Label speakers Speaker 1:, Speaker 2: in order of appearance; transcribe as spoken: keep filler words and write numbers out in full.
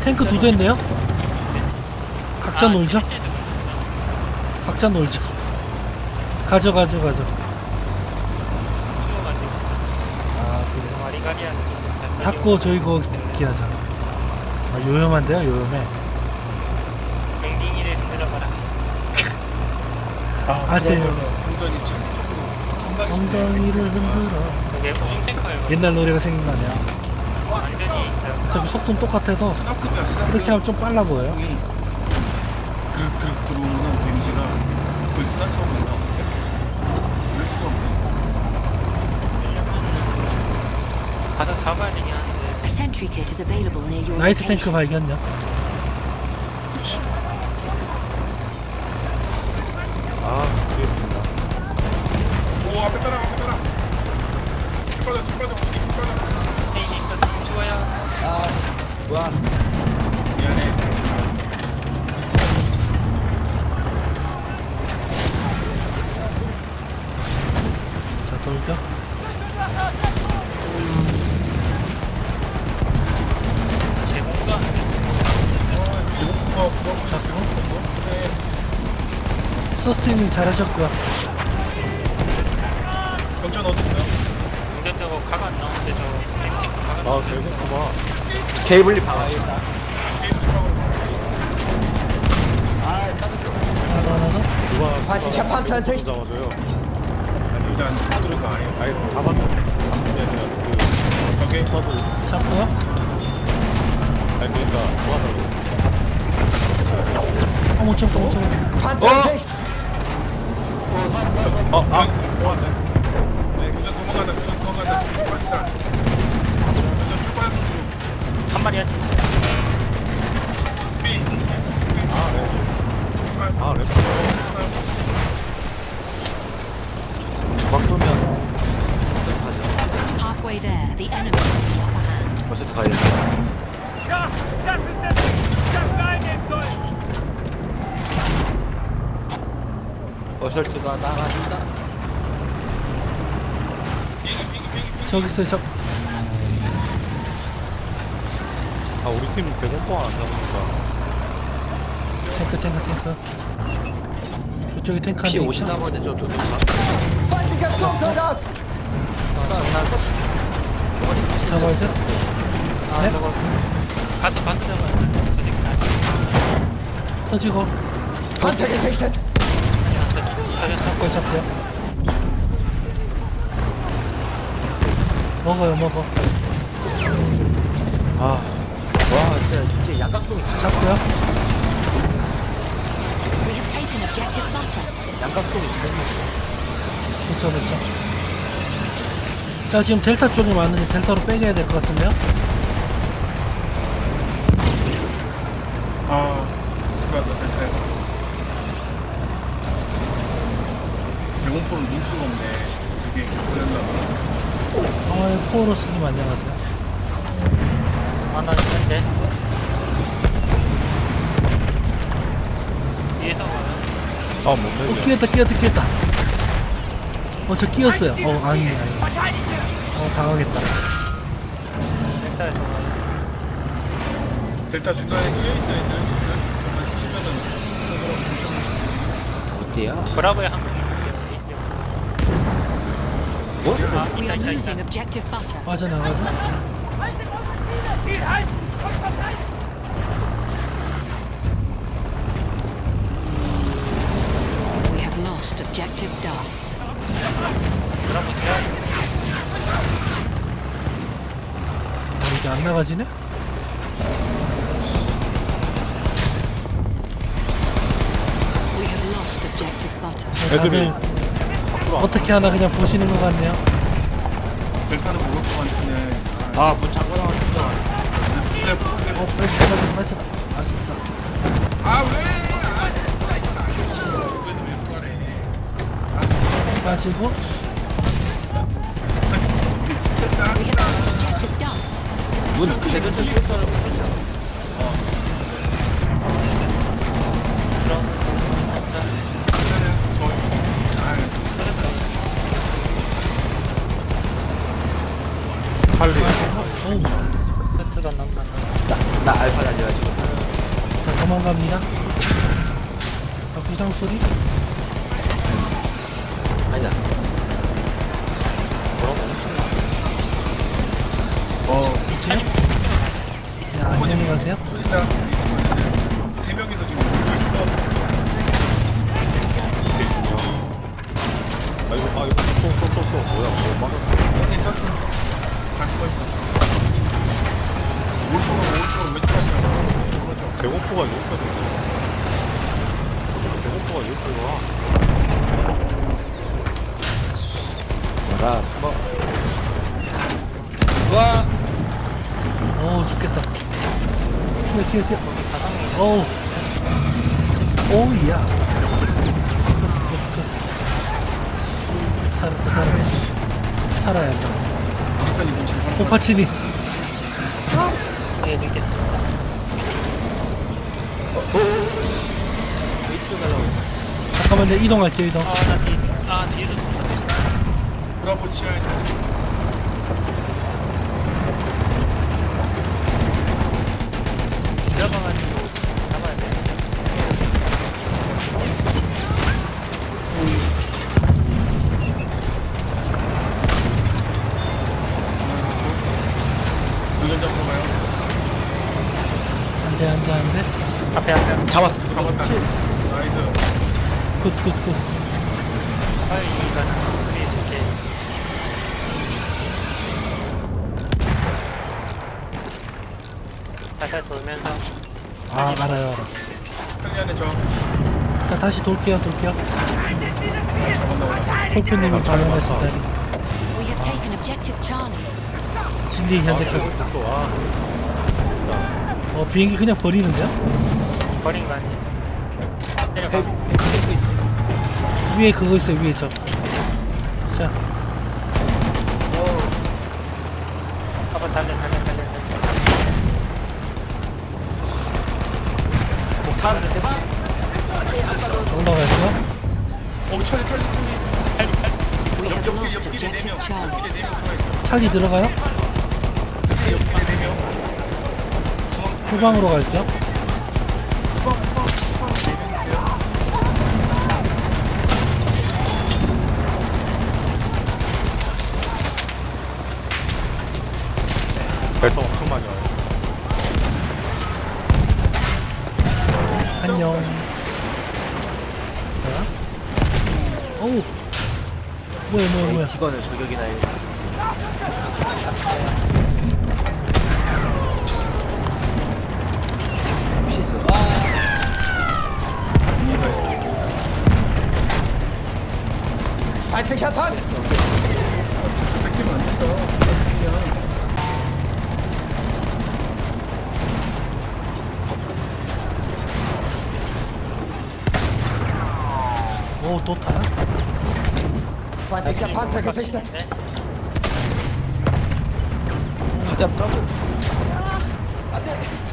Speaker 1: 탱크 두 대인데요? 각자 놀죠? 각자 놀죠. 가져 가져 가져.
Speaker 2: 아 그래.
Speaker 3: 와리가리한
Speaker 1: 닫고 저희 거 기하자. 아, 요염한데요? 요염해.
Speaker 3: 뱅딩이를 흔들어봐라.
Speaker 2: 아
Speaker 1: 아세요?
Speaker 2: 운전이 참
Speaker 1: 엉덩이를 흔들어.
Speaker 3: 그게 홈탱커예요.
Speaker 1: 옛날 노래가 생각나네요.
Speaker 3: 완전히
Speaker 1: 어차피 속도는 똑같아서 이렇게 하면 좀 빨라 보여요.
Speaker 2: 드륵 드륵 들어오는 데미지가 거의 스나처럼 올라오는데 그럴 수가 없네.
Speaker 3: 가서 잡아야 되긴 하는데.
Speaker 4: A sentry kit is available near your
Speaker 1: 나이트 탱크
Speaker 4: location.
Speaker 1: 발견요.
Speaker 2: 그렇지.
Speaker 5: 아, 그렇습니다.
Speaker 2: 오 앞에 따라 앞에 따라. 길 빠져 길 빠져 길 빠져.
Speaker 3: 세인이 있어서 죽어요.
Speaker 5: 와,
Speaker 2: 미안해.
Speaker 1: 자, 돌죠.
Speaker 3: 제공가
Speaker 2: 배고프고 그거
Speaker 1: 잡고.
Speaker 2: 네.
Speaker 1: 서스팅님 잘하셨고요.
Speaker 2: 전전 어디 있어?
Speaker 3: 운전 저거 가가 안 나오는데 저 엠틱 가가
Speaker 5: 아,
Speaker 3: 나오는데
Speaker 5: 배고프다. 케이블리 박아야겠다.
Speaker 2: 게임 들어가고.
Speaker 1: 하나 하나 더.
Speaker 5: 누가
Speaker 6: Feindlicher Panzer in Sicht.
Speaker 5: 잡아줘요.
Speaker 2: 아니 일단 안 들어가 아예.
Speaker 5: 아니, 잡았는데. 잡는 게 아니라 그,
Speaker 2: 저게
Speaker 5: 서도.
Speaker 1: 잡고요.
Speaker 5: 아니, 그러니까, 도와달라고.
Speaker 1: 어, 못 참고 못 참고.
Speaker 6: Panzer in Sicht.
Speaker 5: 어, 아,
Speaker 2: 좋았네. 네, 운전 도망간다. 운전 도망간다. 맞다. 운전 출발해서 뒤로.
Speaker 3: 한 마리 한
Speaker 2: 삐.
Speaker 5: 아, 네. 아, 랩. 막두면
Speaker 4: Halfway there, the enemy has the upper hand.
Speaker 5: 벌써 가야겠다. 어설트가 나가신다.
Speaker 1: 저기 있어요. 저
Speaker 5: 아, 우리 팀 배고파 안 잡으니까.
Speaker 1: 탱크 탱크 탱크. 이쪽에 탱크 한
Speaker 5: 피
Speaker 1: 대
Speaker 5: 오시나
Speaker 1: 있죠?
Speaker 5: 보네, 저 도둑.
Speaker 6: Feindlicher Sturmsoldat.
Speaker 1: 잡아야 돼.
Speaker 3: 아
Speaker 1: 네?
Speaker 3: 저거 가서 가서 잡아요. 저 새끼 사지.
Speaker 1: 터지고.
Speaker 6: Panzer gesichtet.
Speaker 3: 터졌어.
Speaker 1: 잡고요 잡고요. 먹어요 먹어.
Speaker 5: 아, 와, 진짜, 이게 양각동이 다
Speaker 1: 잡고요.
Speaker 4: We have taken objective butter.
Speaker 5: 양각동이 잘
Speaker 1: 그렇죠 그렇죠. 자 지금 델타 쪽이 많으니 델타로 빼겨야 될 것 같은데요?
Speaker 2: 아, 들어갔다. 벨타에서. 배공포를 놓을 수가 없네. 이게 그런다.
Speaker 1: 아 포로스님 안녕하세요.
Speaker 3: 하나 있는데. 위에서 와요.
Speaker 5: 아, 못
Speaker 1: 어
Speaker 5: 내려.
Speaker 1: 끼었다 끼었다 끼었다. 어 저 끼었어요. 어 아니네 아니네. 어 당하겠다.
Speaker 3: 넥타에서 와요.
Speaker 2: 델타 중간에 끼어있다 있는 치면은
Speaker 5: 어디야?
Speaker 3: 브라보에 한 명 있어요.
Speaker 5: 뭐?
Speaker 3: 아
Speaker 4: We
Speaker 3: 있다
Speaker 4: are
Speaker 3: 있다
Speaker 4: losing
Speaker 3: 있다.
Speaker 4: objective butter.
Speaker 1: 빠져나가고.
Speaker 4: We have lost objective Duff.
Speaker 3: 브라보 지하.
Speaker 1: 어, 이게 안 나가지네?
Speaker 4: We have lost objective butter.
Speaker 5: 애들이
Speaker 1: 다들 어떻게 하나 그냥 보시는 것 같네요.
Speaker 2: 델타는 먹을 것 같은데.
Speaker 5: 아, 문 잠궈놔, 진짜.
Speaker 2: 진짜
Speaker 1: 어
Speaker 2: 포근해.
Speaker 1: 빠져 빠져 빠져. 아싸.
Speaker 2: 아 왜? 아, 왜 그래?
Speaker 1: 빠지고.
Speaker 4: We have lost objective Duff.
Speaker 5: 문 대전체 수사를 못했냐? 할리.
Speaker 1: 어우.
Speaker 3: 저도 안 나온다.
Speaker 7: 나, 나 알파 달려가지고.
Speaker 1: 자, 도망갑니다. 자, 부상 소리.
Speaker 7: 아니다.
Speaker 2: 어,
Speaker 3: 이천이
Speaker 1: 자, 안녕히 가세요.
Speaker 2: 터진다. 세 명이서 지금 울고 있어.
Speaker 5: 아 이거 아 이거 또또또또 뭐야 뭐 막았어.
Speaker 2: 여기 있었어. 갈 수가 있어. 오른쪽으로 오른쪽으로 왼쪽까지 그렇죠.
Speaker 5: 배고프가 여기까지 오네. 배고프가 여기까지 와.
Speaker 7: 뭐라.
Speaker 3: 와
Speaker 1: 어우, 죽겠다. 튀어, 튀어, 튀어.
Speaker 3: 가상이
Speaker 1: 어우. 오우, 야. 살았다, 살았다. 살아야 한다.
Speaker 2: 여기까지 뭉치고
Speaker 1: 오파치니.
Speaker 3: 해주겠습니다.
Speaker 7: 웨이트 가려고.
Speaker 1: 잠깐만요, 이동할게요, 이동.
Speaker 3: 아나 뒤, 아 뒤에서 쏜다.
Speaker 2: 브라보 치아에
Speaker 3: 들어가가지고 잡아야 돼.
Speaker 2: 돌려 잡으러 가요.
Speaker 1: 안 돼, 안 돼, 안 돼.
Speaker 3: 앞에 앞에.
Speaker 7: 잡았어.
Speaker 2: 잡았다. 나이스.
Speaker 1: 굿, 굿, 굿.
Speaker 3: 빨리 이거는 수리해줄게. 살살 돌면서
Speaker 1: 아, 알아요, 알아.
Speaker 2: 편리 안에 저
Speaker 1: 자, 다시 돌게요, 돌게요.
Speaker 2: 잡았나 보다.
Speaker 1: 폴표님이 방어했을 때.
Speaker 4: We have taken objective Charlie.
Speaker 1: 진리 현대까지.
Speaker 5: 또 와.
Speaker 1: 어, 비행기 그냥 버리는데요?
Speaker 3: 버린 거 아니야? 내려가.
Speaker 1: 위에 그거 있어요, 위에 저. 자,
Speaker 3: 한번 달려 달려 달려 달려.
Speaker 7: 목타는데 대박.
Speaker 1: 올라가세요.
Speaker 2: 어, 찰리 찰리 찰리.
Speaker 4: We have
Speaker 2: 옆길
Speaker 4: lost
Speaker 2: 옆길에 네 명.
Speaker 4: objective Charlie.
Speaker 2: 옆길에 네 명 들어가 있어.
Speaker 1: 찰리 들어가요?
Speaker 2: 옆길에 네 명.
Speaker 1: 후방으로 갈게요.
Speaker 2: 후방 후방 후방 네명 있어요.
Speaker 5: 배터 엄청 많이 와요.
Speaker 1: 안녕. 뭐야? 어우. 뭐야, 뭐야, 뭐야.
Speaker 7: 직원을 저격이나 해. 피했어. 아.
Speaker 6: Feindlicher Tank!
Speaker 2: 뺏기면 안 된다. 그냥.
Speaker 1: 오, 또 타요?
Speaker 6: Feindlicher Panzer gesichtet!
Speaker 7: 가자 브라보.
Speaker 6: Ande!